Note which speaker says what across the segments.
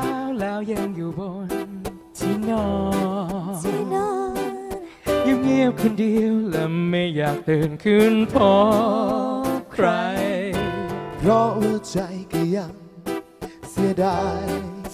Speaker 1: แล้วยังอยู่บนที่นอนเงียบๆคนเดียวและไม่อยากตื่นขึ้นพบใคร
Speaker 2: เพราะหัวใจก็ยังเสียดาย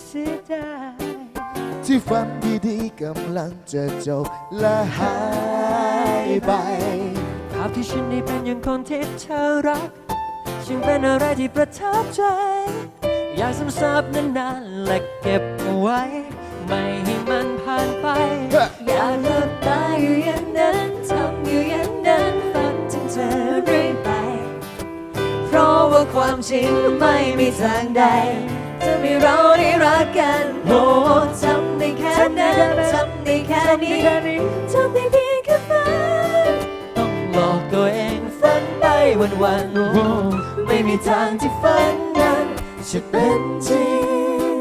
Speaker 2: ที่ฝันดีๆกำลังจะจบและหายไป
Speaker 3: ภาพที่ฉันได้เป็นอย่างคนที่เธอรักฉันเป็นอะไรที่ประทับใจอยากซึมซับนานๆและเก็บเอาไว้ไม่ให้มันผ่านไปอยากหลับตาอยู่อย่างนั้นทำอยู่อย่างนั้นฝันถึงเธอเรื่อยไปเพราะว่าความจริงไม่มีทางใดจะมีเราได้รักกันโอ้ทำได้แค่นั้นทำได้แค่นี้ทำได้เพียงแค่ฝันต้องหลอกตัวเองฝันไปวันๆไม่มีทางที่ฝันนั้นจะเป็นจริง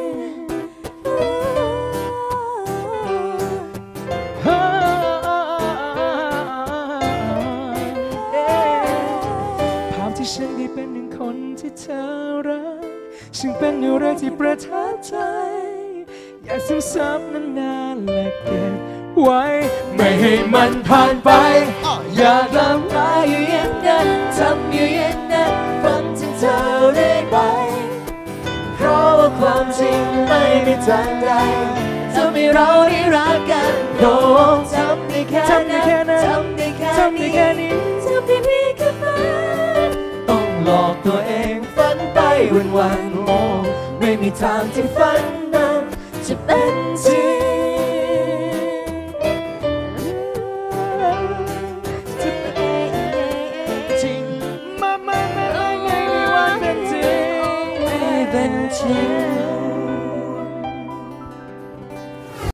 Speaker 1: ภาพที่ฉันได้เป็นหนึ่งคนที่เธอรักฉันเป็นอะไรที่ประทับใจอยากซึมซับนานๆและเก็บไว้ไม่ให้มันผ่านไปอยากหลับตาอยู่อย่างนั้นทำอยู่อย่างนั้นฝันถึงเธอเรื่อยไปเพราะว่าความจริงไม่มีทางใดจะมีเราได้รักกันโอ้ทำได้แค่นั้นทำได้แค่นี้ทำได้เพียงแค่ฝันต้องหลอกตัวเองฝันไปวันๆโอ้ไม่มีทางที่ฝันนั้นจะเป็นจริงจะเป็นจริงไม่มีวันเป็นจริงไม่เป็นจริง